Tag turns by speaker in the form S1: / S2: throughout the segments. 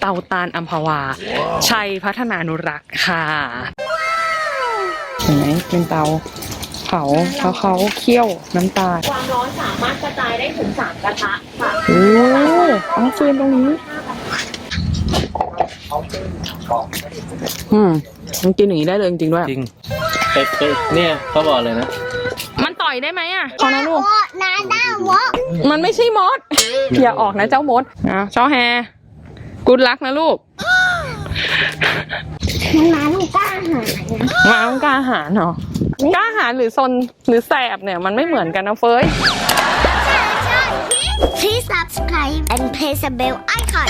S1: เตาตาลอัมพวาชัยพัฒนานุรักษ์ค่ะเห็นไหมเป็นเตาเผาเขาเคี่ยวน้ำตาล
S2: ความร้อนสามารถกระจายได้ถึง3 กระทะค่ะ
S1: โอ้เอาฟืนตรงนี้มันกินอย่างนี้ได้เลยจริงๆด้วย
S3: จริงเนี่ยเขาบอกเลยนะ
S1: มันต่อยได้ไหมอ่ะขอนะลูกมันไม่ใช่มดอย่าออกนะเจ้ามดนะเจ้าแฮกูดลักนะลูก
S2: ม้าลูกกล้าหาญ
S1: ม้าต้องกล้าหาญเหรอกล้าหาญหรือซนหรือแสบเนี่ยมันไม่เหมือนกันนะเฟ้ย
S2: Please subscribe and press the bell icon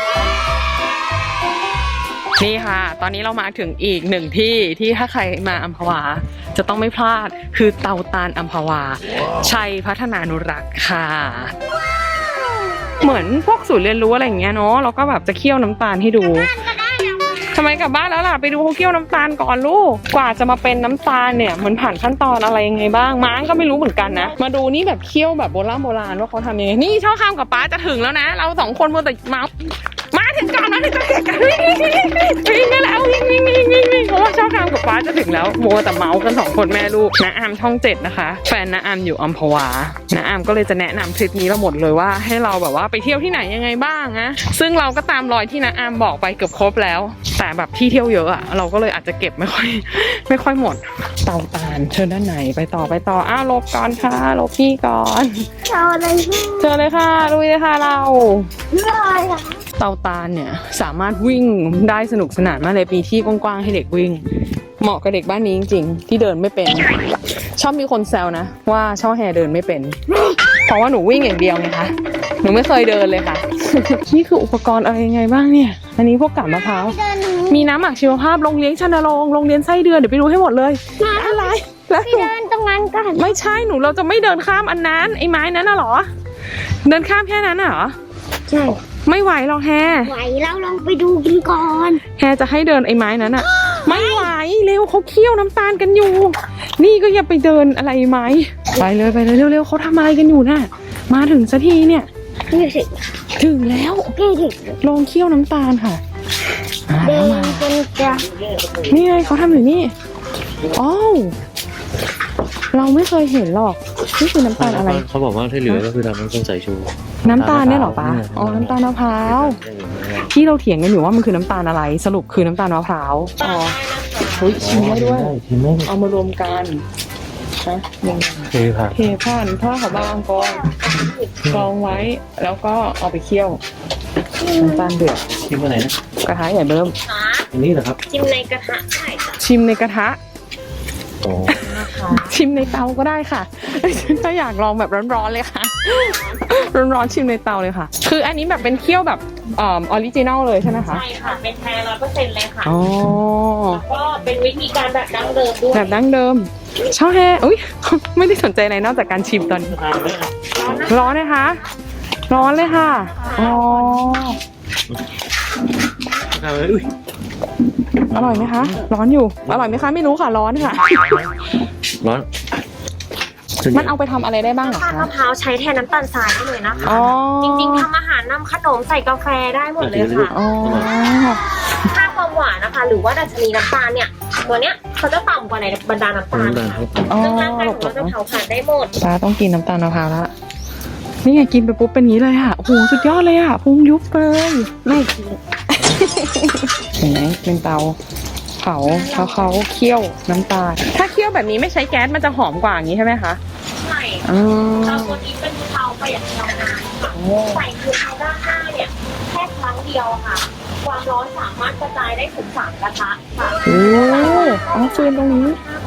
S1: นี่ค่ะตอนนี้เรามาถึงอีกหนึ่งที่ถ้าใครมาอัมพวาจะต้องไม่พลาดคือเตาตาลอัมพวาชัยพัฒนานุรักษ์ค่ะเหมือนพวกศูนย์เรียนรู้อะไรอย่างเงี้ยเนาะเราก็แบบจะเคี่ยวน้ำตาลให้ดูทำไมกลับบ้านแล้วล่ะไปดูเขาเคี่ยวน้ำตาลก่อนลูกกว่าจะมาเป็นน้ำตาลเนี่ยมันผ่านขั้นตอนอะไรยังไงบ้างม้าก็ไม่รู้เหมือนกันนะมาดูนี่แบบเคี่ยวแบบโบราณว่าเขาทำยังไงนี่ช่อข้ามกับป้าจะถึงแล้วนะเรา2 คนมัวแต่มาถึงก่อนนะถึงจะเห็นกันวิ่งแล้ววิ่งเพราะว่าช่อข้ามกับป้าจะถึงแล้วมัวแต่เมาส์กัน2 คนแม่ลูกน้าอามช่อง7นะคะแฟนน้าอามอยู่อัมพวาน้าอามก็เลยจะแนะนำทริปนี้เราหมดเลยว่าให้เราแบบว่าไปเที่ยวที่ไหนยังไงบ้างนะซึ่งเราก็ตามรอยที่น้าอามบอกไปเกือบครบแล้วแต่แบบที่เที่ยวเยอะอะเราก็เลยอาจจะเก็บไม่ค่อยหมดเตาตาลเชิญด้านไหนไปต่ออ้าวลบก่อนค่ะลบพี่ก่อนเชิญเลยค่ะลุยเลยค่ะเราเตาตาลเนี่ยสามารถวิ่งได้สนุกสนานมากเลยปีที่กว้างๆให้เด็กวิ่งเหมาะกับเด็กบ้านนี้จริงๆที่เดินไม่เป็นชอบมีคนแซวนะว่าช่อแฮเดินไม่เป็นเพราะว่าหนูวิ่งอย่างเดียวไงคะหนูไม่เคยเดินเลยค่ะ นี่คืออุปกรณ์อะไรยังไงบ้างเนี่ยอันนี้พวกกาบมะพร้าวมีน้ำหมักชีวภาพโรงเลี้ยงชันนรงค์โรงเรียนไส้เดือนเดี๋ยวไปดูให้หมดเลยอะไรแล้ว
S2: เดินตรงนั้นกัน
S1: ไม่ใช่หนูเราจะไม่เดินข้ามอันนั้นไอ้ไม้นั้นน่ะหรอเดินข้ามแค่นั้นน่ะหรอ
S2: ใช่
S1: ไม่ไหวหรอกแฮ
S2: ไหวแล้วลองไปดูกันก่อน
S1: แฮจะให้เดินไอ้ไม้นั้นอ่ะไม่ไหวเร็วเขาเคี่ยวน้ำตาลกันอยู่นี่ก็อย่าไปเดินอะไรไม้ไปเลยเร็วเขาทำอะไรกันอยู่น่ะมาถึงสักทีเนี่ยถึงแล้วลองเคี่ยวน้ำตาลค่ะ
S2: เดินกันจ้ะ
S1: นี่ไงเขาทำอยู่นี่อ้าวเราไม่เคยเห็นหรอกนี่คือน้ำตาลอะไร
S3: เขาบอกว่าที่เหลือก็คือทำน้ำส้มสายชู
S1: น้ำตาลเนี่ยหรอป้าอ๋อน้ำตาลมะพร้าวที่เราเถียงกันอยู่ว่ามันคือน้ำตาลอะไรสรุปคือน้ำตาลมะพร้าวอ๋อเฮ้ยชิมได้ด้วยเอามารวมกันนะเทผ่านผ้าขาวบางกองไว้แล้วก็เอาไปเคี่ยวน้ำตาลเดือด
S3: ชิมอะไรนะ
S1: กระทะใหญ่เบิ่ม
S3: อันนี้เหรอครับ
S2: ชิมในกระทะได้จ้ะ
S1: ชิมในกระทะชิมในเตาก็ได้ค่ะถ้าอยากลองแบบร้อนๆเลยค่ะร้อนๆชิมในเตาเลยค่ะคืออันนี้แบบเป็นเคี่ยวแบบออริจินัลเลยใช่ไหมคะ
S2: ใช่ค่ะเป็นแท้100%เลยค่ะ
S1: อ๋อ
S2: แล้วก็เป็นวิธีการแบบดั้งเดิมด้วย
S1: แบบดั้งเดิมช่อแฮอุ้ยไม่ได้สนใจอะไรนอกจากการชิมตอนนี้ร้อนนะคะร้อนเลยค่ะอ๋ออร่อยไหมคะร้อนอยู่อร่อยไหมคะไม่รู้ค่ะร้อนค่ะ
S3: ร้อน
S1: มันเอาไปทำอะไรได้บ้างหรอคะ
S2: มะพร้าวใช้แทนน้ำตาลทรายได้เลยนะคะจริงๆทำอาหารนำขนมใส่กาแฟได้หมดเลยค่ะค่าความหวานนะคะหรือว่าดัชนีน้ำตาลเนี่ยตัวเนี้ยเขาจะต่ำกว่าในบรรดาน้ำตาลซึ่งร่างกายของเราจะเผาผลาญได้หมด
S1: ป้าต้องกินน้ำตาลมะพร้าวละนี่ไงกินไปปุ๊บเป็นนี้เลยค่ะโอ้โหสุดยอดเลยอ่ะพุงยุบเลย
S2: ไม่กิน
S1: เห็นไหมเป็นเตาเผาเขาเคี่ยวน้ำตาลถ้าเคี่ยวแบบนี้ไม่ใช้แก๊สมันจะหอมกว่าอย่างนี้ใช่ไหมคะ
S2: ใช่เตาตัวนี้เป็นเตาประหยัดพลังงานค่ะใส่คือเตาด้านหน้าเนี่ยแค่ครั้งเดียวค่ะความร้อนสามารถกระจายได้ถึง3 กระทะค่ะ
S1: โอ้เอาฟืนตรงนี้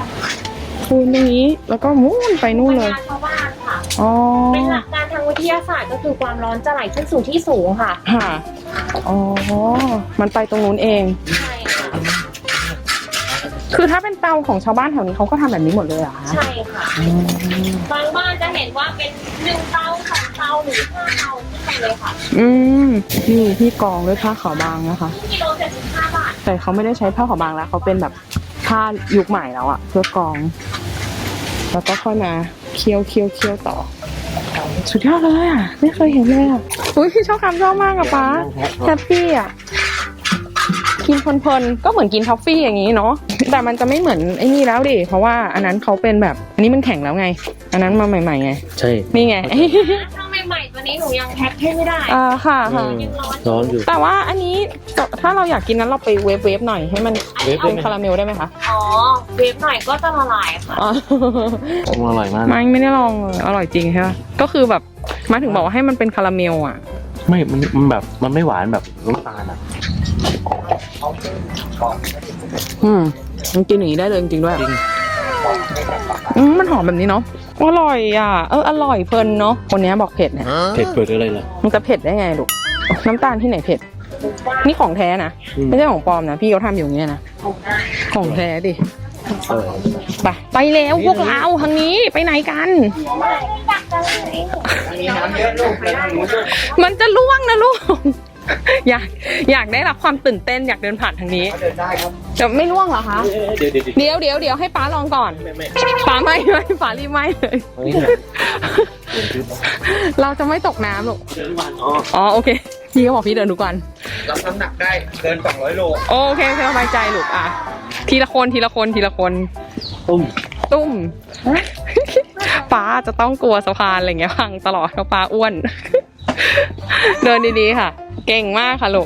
S1: แล้วก็มุ่นไปนู่นเลย
S2: ชาวบ้านค่ะเป็นหลักการทางวิทยาศาสตร์ก็คือความร้อนจะไหลขึ้นสู่ที่สูงค่ะ
S1: อ๋อมันไปตรงนู้นเอง
S2: ใช่ค่ะ
S1: คือถ้าเป็นเตาของชาวบ้านแถวนี้เขาก็ทำแบบนี้หมดเลยเหรอคะ
S2: ใช่ค่ะบางบ้านจะเห็นว่าเป็น1 เตา2 เตาหรือ5 เตาขึ้นไปเลยค่ะ
S1: นี่ที่กองด้วยผ้าขาวบางนะคะ
S2: กิโล75 บาท
S1: แต่เขาไม่ได้ใช้ผ้าขาวบางแล้วเขาเป็นแบบผ้ายุคใหม่แล้วอะเพื่อกองแล้วก็ค่อยมาเคี่ยวต่อสุดยอดเลยอ่ะไม่เคยเห็นเลยอ่ะอุ้ยชอบคำชอบมากอะป๊าแฮปปี้อ่ะกินเพลินๆก็เหมือนกินท็อฟฟี่อย่างนี้เนาะแต่มันจะไม่เหมือนไอ้นี่แล้วดิเพราะว่าอันนั้นเขาเป็นแบบอันนี้มันแข็งแล้วไงอันนั้นมาใหม่ๆไง
S3: ใช่
S1: นี่ไง
S2: ถ้าใหม่ๆตัวนี้หนูยังแพ็คให้ไม่ได้
S1: ค่ะ
S3: ร้อนอยู่
S1: แต่ว่าอันนี้ถ้าเราอยากกินนั้นเราไปเวฟหน่อยให้มันเป็นคาราเมลได้ไหมคะ
S2: อ๋อเวฟหน่อยก็จะละลายค่ะ
S1: อ๋อ
S3: อร่อยมาก
S1: ไม่ได้ลองเลยอร่อยจริงใช่ไหมก็คือแบบมาถึงบอกว่าให้มันเป็นคาราเมลอ่ะ
S3: ไม่มันแบบมันไม่หวานแบบน้ำตาลอ่ะ
S1: มันกินอย่างนี้ได้เลยจริงๆด้วย
S3: จริง
S1: มันหอมแบบนี้เนาะอร่อยอ่ะอร่อยเพลินเนาะคนนี้บอกเผ็ดนะ
S3: เผ็ดเปิดอะไรล่ะ
S1: มันจะเผ็ดได้ไงลูกน้ำตาลที่ไหนเผ็ดนี่ของแท้นะไม่ใช่ของปลอมนะพี่เขาทำอยู่อย่างเงี้ยนะของแท้ดิ ไปแล้วพวกเราทางนี้ไปไหนกันมันจะล่วงนะลูกอยากได้รับความตื่นเต้นอยากเดินผ่านทางนี้จะไม่ล่วงเหรอคะเดี๋ยวให้ป้าลองก่อนป้าไม่ป้ารีบไม่เลยเราจะไม่ตกน้ำหรอกอ๋อโอเคพี่ก็บอกพี่เดินทุกวัน
S4: รับน้ำหนักได้เกิน200 โล
S1: โอเคสบายใจลูกอ่ะทีละคนตุ้มป้าจะต้องกลัวสะพานอะไรเงี้ยพังตลอดเพราะป้าอ้วน เดินดีๆค่ะเก่งมากค่ะลูก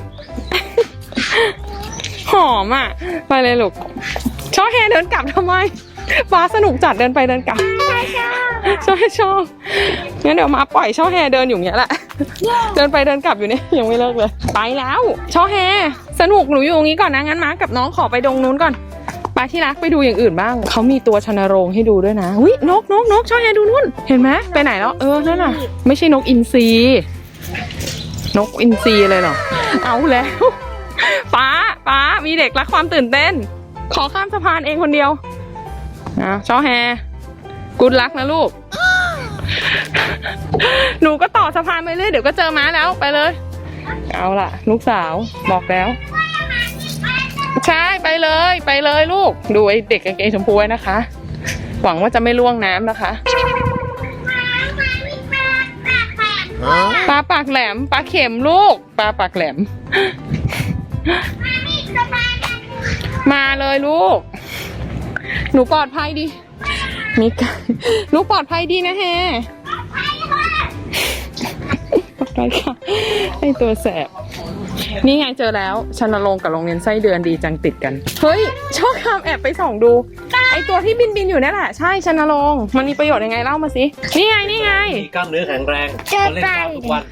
S1: หอมอ่ะไปเลยลูกชอบแฮเดินกลับทำไมป้าสนุกจัดเดินไปเดินกลับชอบงั้นเดี๋ยวมาปล่อยช่อแฮเดินอยู่เงี้ยแหละ เดินไปเดินกลับอยู่เนี่ยยังไม่เลิกเลยไปแล้วช่อแฮสนุกหนูอยู่ตรงนี้ก่อนนะงั้นมากับน้องขอไปดงนู้นก่อนไปที่รักไปดูอย่างอื่นบ้างเขามีตัวชนโรงให้ดูด้วยนะวินกช่อแฮดูนู่นเห็นไหมไปไหนแล้วนั่นน่ะไม่ใช่นกอินทรีนกอินทรีเลยเหรอเอาแล้วป้ามีเด็กรักความตื่นเต้นขอข้ามสะพานเองคนเดียวนะช่อแฮกูดลักนะลูก หนูก็ต่อสะพานไปเรื่อยเดี๋ยวก็เจอม้าแล้วไปเลยเอาล่ะลูกสาวบอกแล้วใช่ไปเลยลูกดูไอ้เด็กกางเกงชมพูไว้นะคะหวังว่าจะไม่ล่วงน้ำนะคะปลาปากแหลมปลาเข็มลูกปลาปากแหลมมาเลยลูกหนูปลอดภัยดีมีกันหนูปลอดภัยดีนะแฮปลอดภัยค่ะไอตัวแสบนี่ไงเจอแล้วชนรงค์กับโรงเรียนไส้เดือนดีจังติดกันเฮ้ยชอบคำแอบไปส่องดูไอตัวที่บินอยู่นั่นแหละใช่ชนรงค์มันมีประโยชน์ยังไงเล่ามาสินี่ไง
S3: มีกล้ามเนื้อแข็งแรงเขาเล่นกล้ามทุกวัน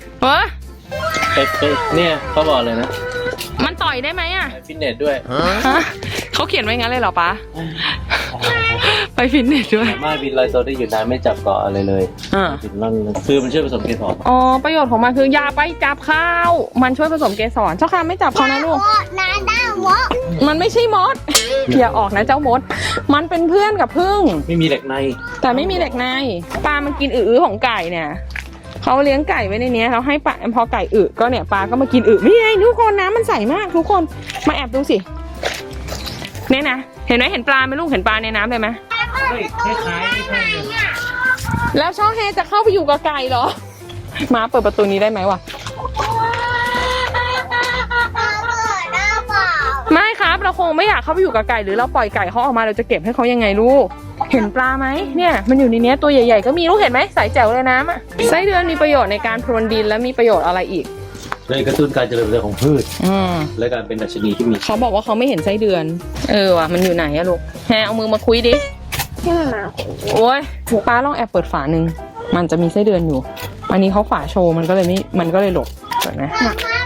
S3: เนี่ยเขาบอกเลยนะ
S1: มันต่อยได้ไหมอ่ะ
S3: ไปฟิตเนสด้วย
S1: เขาเขียนไว้งั้นเลยเหรอป๊าไปฟิตเนสด้วย
S3: สามารถบินลอยตัวได้อยู่นานไม่จับเกาะอะไรเลยบินล่อนคือมันช่วยผสมเกสร
S1: อ๋อประโยชน์ของมันคืออย่าไปจับข้าวมันช่วยผสมเกสรเจ้าค่ะไม่จับเขานะลูกมันไม่ใช่มดอย่าออกนะเจ้ามดมันเป็นเพื่อนกับผึ้ง
S3: ไม่มีเหล็กใน
S1: แต่ไม่มีเหล็กในปลามันกินอื้อของไก่เนี่ยเขาเลี้ยงไก่ไว้ในนี้เขาให้ปลาพอไก่อึก็เนี่ยปลาก็มากินอึนี่ไงทุกคนน้ำมันใสมากทุกคนมาแอบดูสิเนี่ยนะเห็นไหมเห็นปลาไหมลูกเห็นปลาในน้ำเลยไหม
S3: คล้าย
S1: แล้วช่อแฮจะเข้าไปอยู่กับไก่เหรอมาเปิดประตูนี้ได้ไหมวะไม่ครับเราคงไม่อยากเข้าไปอยู่กับไก่หรือเราปล่อยไก่เขาออกมาเราจะเก็บให้เขายังไงลูกเห็นปลาไหมเนี่ยมันอยู่ในนี้ตัวใหญ่ๆก็มีลูกเห็นไหมใสแจ๋วเลยน้ำอ่ะไส้เดือนมีประโยชน์ในการพรวนดินและมีประโยชน์อะไรอีก
S3: เลยกระตุ้นการเจริญเติบโตของพืชและการเป็นดัชนีที่มี
S1: เขาบอกว่าเขาไม่เห็นไส้เดือนว่ะมันอยู่ไหนอะลูกแฮเอามือมาคุยดิโอ้ยป้าลองแอบเปิดฝาหนึ่งมันจะมีไส้เดือนอยู่อันนี้เขาฝาโชว์มันก็เลยหลบเห็นไหม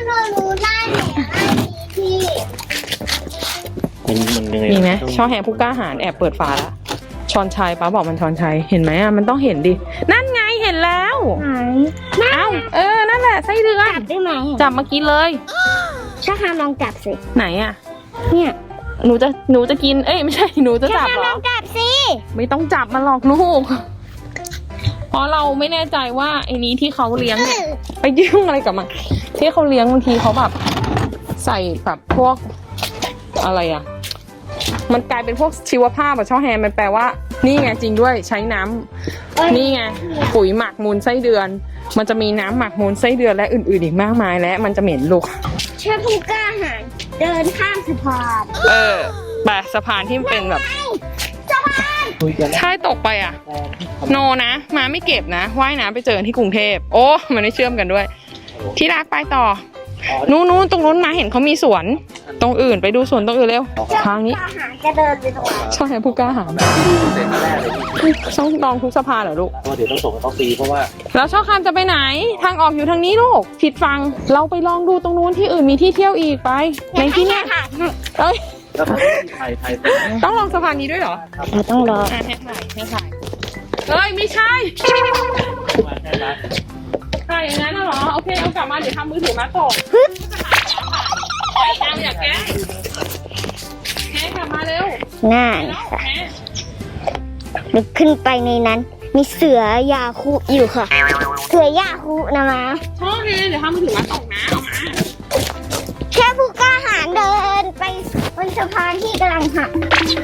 S1: มีไหมช่อแฮผู้กล้าหาญแอบเปิดฝาละชอนชัยป้าบอกมันชอนชัยเห็นไหมอ่ะมันต้องเห็นดินั่นไงเห็นแล้วเอ้านั่นแหละไส้เดือน
S2: จับได้ไหม
S1: จับมากินเลย
S2: ถ้าทำลองจับสิ
S1: ไหนอ่ะ
S2: เนี่ย
S1: หนูจะกินไม่ใช่หนูจะจับเหรอ
S2: ลองจับสิ
S1: ไม่ต้องจับมันหรอกลูกเพราะเราไม่แน่ใจว่าไอ้นี้ที่เขาเลี้ยงเนี่ยไปยุ่งอะไรกับมันที่เขาเลี้ยงบางทีเขาแบบใส่แบบพวกอะไรอ่ะมันกลายเป็นพวกชีวภาพช่อแฮมันแปลว่านี่ไงจริงด้วยใช้น้นี่ไงปุ๋ยหมักมูลไส้เดือน มันจะมีน้ำหมักมูลไส้เดือนและอื่นๆอีกมากมายและมันจะเหม็นลูก
S5: เชื่อผู้กล้าหาญเดินข้ามสะพาน
S1: ไปสะพานที่มันเป็นแบบถ้าตกไปอ่ะ โนนะมาไม่เก็บนะว่ายน้ำไปเจอที่กรุงเทพโอ้มันไม่เชื่อมกันด้วย ที่รักไปต่อนู้นตรงนู้นมาเห็นเขามีสวนตรงอื่นไปดูสวนตรงอื่นเร็วทางนี้
S5: กล้าหาญจะเดินไปตรงไหน
S1: ใช่ผู้กล้าหาญ
S3: เสร็จแรกเลยพี่
S1: ต้องลองทุกสะพานเหรอลูก
S3: เพราะเดี๋ยวต้องส่งให้เขาฟรีเพราะว่า
S1: แล้วช่อคามจะไปไหนทางออกอยู่ทางนี้ลูกผิดฟังเราไปลองดูตรงนู้นที่อื่นมีที่เที่ยวอีกไปในที่เนี้ยเอ้ย
S3: แล้วก็ถ่ายไป
S1: ต้องลองสะพานนี้ด้วยเหรอ
S5: เราต้องรอ
S1: ให้ถ่ายเฮ้ยไม่ใช่
S3: มาแค่นั้น
S1: ถ่ายอย่างนั้นน่ะเหรอโอเคเอากลับมาเดี๋ยวทำมือถือมาตกไปตามอย่าแกล้งแกกลับมาเร็ว
S5: ง่าย
S1: แล้ว
S5: ค่ะ
S1: แก
S5: นึกขึ้นไปในนั้น มีเสือยาคุอยู่ค่ะ เสือยาคุนะมา
S1: ชอบเลยเดี๋ยวทำมือถือมาตกนะเอามา
S5: แค่ผู้กล้าหาญเดินไปบนสะพานที่กำลังหัก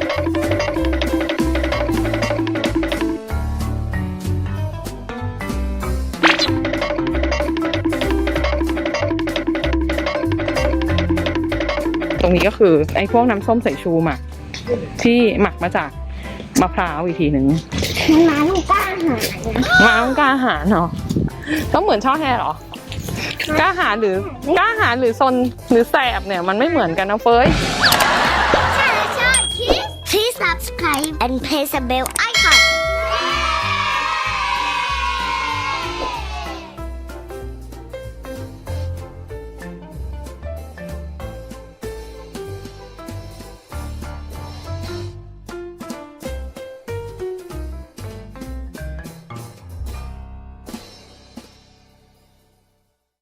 S1: ตรงนี้ก็คือไอ้พวกน้ำส้มสายชูหมักที่หมักมาจากมะพร้าวอีกทีหนึ่ง
S5: มันมาต้องกล้าหาญนะ
S1: มาต้องกล้าหาญเหรอต้องเหมือนช่อแฮเหรอกล้าหาญหรือกล้าหาญหรือซนหรือแสบเนี่ยมันไม่เหมือนกันนะเฟ้ย
S5: ใช่ Please subscribe and press the bell icon